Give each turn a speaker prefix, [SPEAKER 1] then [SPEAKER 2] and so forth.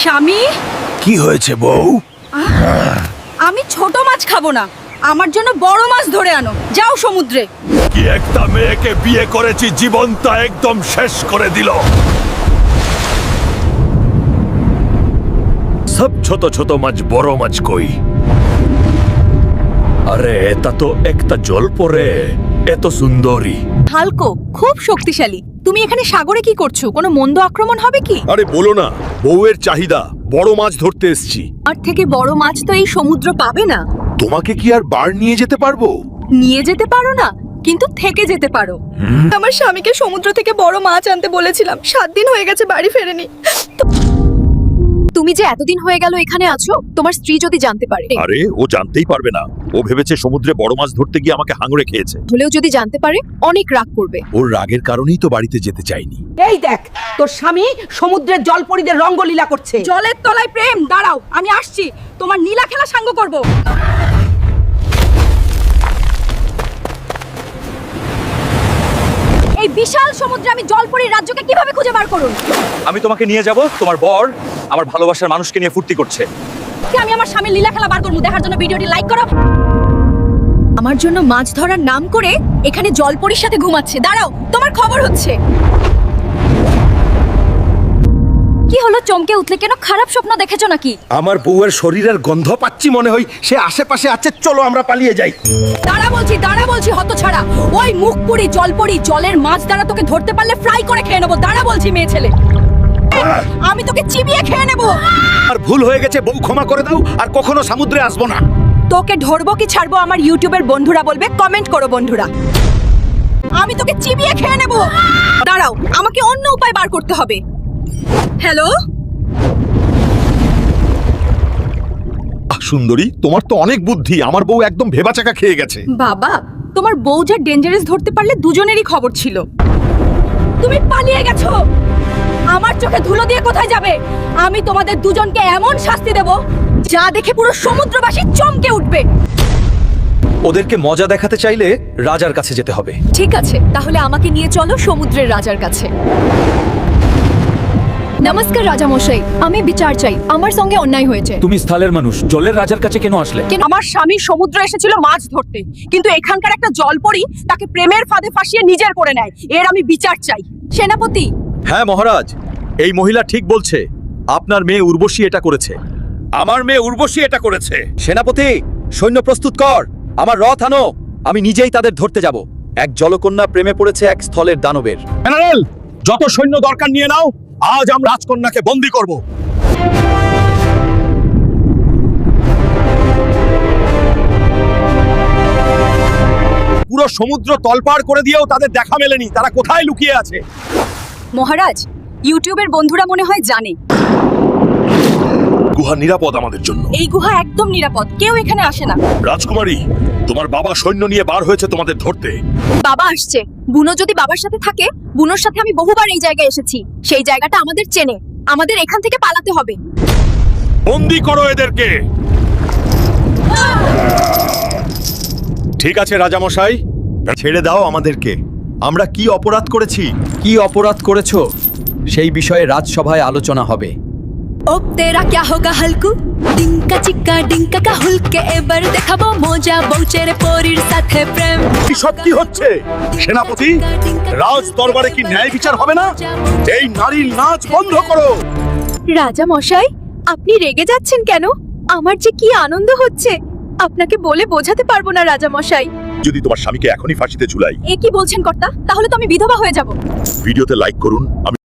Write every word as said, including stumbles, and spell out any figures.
[SPEAKER 1] স্বামী,
[SPEAKER 2] কি হয়েছে বউ?
[SPEAKER 1] আমি ছোট মাছ খাবো না, আমার জন্য বড় মাছ ধরে আনো। যাও সমুদ্রে।
[SPEAKER 2] কি একটা মেয়েকে বিয়ে করেছি, জীবনটা একদম শেষ করে দিল। সব ছোট ছোট মাছ, বড় মাছ কই? আরে এটা তো একটা জল পরে, এত সুন্দরী।
[SPEAKER 1] হালকো খুব শক্তিশালী। তুমি এখানে সাগরে কি করছো? কোনো মন্দ আক্রমণ হবে কি?
[SPEAKER 2] আরে বলো না, বউয়ের চাহিদা, বড় মাছ ধরতে এসেছি।
[SPEAKER 1] আর থেকে বড় মাছ তো এই সমুদ্র পাবে না।
[SPEAKER 2] তোমাকে কি আর বার নিয়ে যেতে পারবো?
[SPEAKER 1] নিয়ে যেতে পারো না, কিন্তু থেকে যেতে পারো। আমার স্বামীকে সমুদ্র থেকে বড় মাছ আনতে বলেছিলাম, সাত দিন হয়ে গেছে বাড়ি ফেরেনি। তুমি যে এতদিন হয়ে গেল এখানে আছো, তোমার স্ত্রী যদি জানতে পারে।
[SPEAKER 2] আরে ও জানতেই পারবে না, ও ভেবেছে সমুদ্রে বড় মাছ ধরতে গিয়ে আমাকে হাঙড়ে খেয়েছে।
[SPEAKER 1] হলেও যদি জানতে পারে অনেক রাগ করবে।
[SPEAKER 2] ওর রাগের কারণেই তো বাড়িতে যেতে চাইনি।
[SPEAKER 3] এই দেখ, তোর স্বামী সমুদ্রের জলপরীদের রঙ্গলীলা করছে।
[SPEAKER 1] জলের তলায় প্রেম। দাঁড়াও, আমি আসছি, তোমার নীলা খেলা সাঙ্গ করব। এই বিশাল সমুদ্রে আমি জলপরীর রাজ্যকে কিভাবে খুঁজে বার করুন?
[SPEAKER 4] আমি তোমাকে নিয়ে যাব, তোমার বর আমার ভালোবাসার মানুষকে নিয়ে ফুর্তি করছে।
[SPEAKER 1] কি আমি আমার স্বামীর লীলা খেলা বার করব? দেখার জন্য ভিডিওটি লাইক করো। আমার জন্য মাছ ধরার নাম করে এখানে জলপরীর সাথে ঘুমাচ্ছে। দাঁড়াও, তোমার খবর হচ্ছে। কি হলো, চমকে উঠলে কেন? খারাপ স্বপ্ন দেখেছো নাকি?
[SPEAKER 2] আমার বউয়ের শরীরের গন্ধ পাচ্ছি, মনে হয় সে আশেপাশে আছে। চলো আমরা পালিয়ে যাই।
[SPEAKER 1] দাঁড়া বলছি, দাঁড়া বলছি, হতছাড়া। ওই মুখপুরি জলপরি জলের মাছ দ্বারা তোকে ধরতে পারলে ফ্রাই করে খেয়ে নেবো। দাঁড়া বলছি, মেয়ে ছেলে, আমি তোকে চিবিয়ে খেয়ে নেবো।
[SPEAKER 2] আর ভুল হয়ে গেছে বউ, ক্ষমা করে দাও, আর কখনো সমুদ্রে আসবো না।
[SPEAKER 1] তোকে ধরবো কি ছাড়বো আমার ইউটিউবের বন্ধুরা বলবে, কমেন্ট করো বন্ধুরা। আমি তোকে চিবিয়ে খেয়ে নেবো। দাঁড়াও, আমাকে অন্য উপায় বার করতে হবে। হ্যালো
[SPEAKER 2] সুন্দরী, তোমার তো অনেক বুদ্ধি। আমার বউ একদম ভেবাচাকা খেয়ে গেছে।
[SPEAKER 1] বাবা, তোমার বউ যা ডেঞ্জারাস ধরতে পারলে দুজনেরই খবর ছিল। তুমি পালিয়ে গেছো। আমার চোখে ধুলো দিয়ে কোথায় যাবে? আমি তোমাদের দুজনকে এমন শাস্তি দেব যা দেখে পুরো সমুদ্রবাসী চমকে উঠবে।
[SPEAKER 4] ওদেরকে মজা দেখাতে চাইলে রাজার কাছে যেতে হবে।
[SPEAKER 1] ঠিক আছে, তাহলে আমাকে নিয়ে চলো সমুদ্রের রাজার কাছে। নমস্কার রাজা মশাই, আমি বিচার চাই। আমার সঙ্গে অন্যায় হয়েছে।
[SPEAKER 4] তুমি স্থলের মানুষ, জলের রাজার কাছে কেন আসলে?
[SPEAKER 1] কেন? আমার স্বামী সমুদ্রে এসেছিল মাছ ধরতে, কিন্তু এখানকার একটা জলপরী তাকে প্রেমের ফাঁদে ফাঁসিয়ে নিজের করে নেয়। এর আমি বিচার চাই। সেনাপতি।
[SPEAKER 4] হ্যাঁ মহারাজ, এই মহিলা ঠিক বলছে। আপনার মেয়ে উর্বশী এটা করেছে।
[SPEAKER 2] আমার মেয়ে উর্বশী এটা করেছে।
[SPEAKER 4] সেনাপতি, সৈন্য প্রস্তুত কর, আমার রথ আনো। আমি নিজেই তাদের ধরতে যাব। এক জলকন্যা প্রেমে পড়েছে এক স্থলের দানবের।
[SPEAKER 2] জেনারেল, যত সৈন্য দরকার নিয়ে নাও, আজ আমরা রাজকন্যাকে বন্দী করব। পুরো সমুদ্র তলপাড় করে দিয়েও তাদের দেখা মেলেনি। তারা কোথায় লুকিয়ে আছে?
[SPEAKER 1] মহারাজ, ইউটিউবের বন্ধুরা মনে হয় জানে
[SPEAKER 2] গুহা নিরাপদ আমাদের জন্য।
[SPEAKER 1] এই গুহা একদম নিরাপদ, কেউ এখানে আসে না।
[SPEAKER 2] রাজকুমারী, তোমার বাবা সৈন্য নিয়ে বার হয়েছে তোমাদের ধরতে।
[SPEAKER 1] বাবা আসছে। বুনো যদি বাবার সাথে থাকে, বুনোর সাথে আমি বহুবার এই জায়গায় এসেছি। সেই জায়গাটা আমাদের চেনে। আমাদের এখান থেকে পালাতে হবে।
[SPEAKER 2] বন্দী করো এদেরকে। ঠিক আছে রাজামশাই, ছেড়ে দাও আমাদেরকে। আমরা কি অপরাধ করেছি?
[SPEAKER 4] কি অপরাধ করেছো সেই বিষয়ে রাজসভায় আলোচনা হবে।
[SPEAKER 1] ও তেরা क्या होगा हल्कू डिंका चिक्का डिंका का हुलके এবার দেখাবো মজা বউচের পরীর সাথে প্রেম।
[SPEAKER 2] সব কি হচ্ছে? সেনাপতি, রাজ দরবারে কি ন্যায় বিচার হবে না? এই নারীর নাচ বন্ধ করো।
[SPEAKER 1] রাজা মশাই, আপনি রেগে যাচ্ছেন কেন? আমার যে কি আনন্দ হচ্ছে, আপনাকে বলে বোঝাতে পারবো না রাজা মশাই।
[SPEAKER 2] যদি তোমার স্বামীকে এখনই ফাঁসিতে ঝুলাই।
[SPEAKER 1] এ কি বলছেন কর্তা? তাহলে তো আমি বিধবা হয়ে যাব।
[SPEAKER 2] ভিডিওতে লাইক করুন। আমি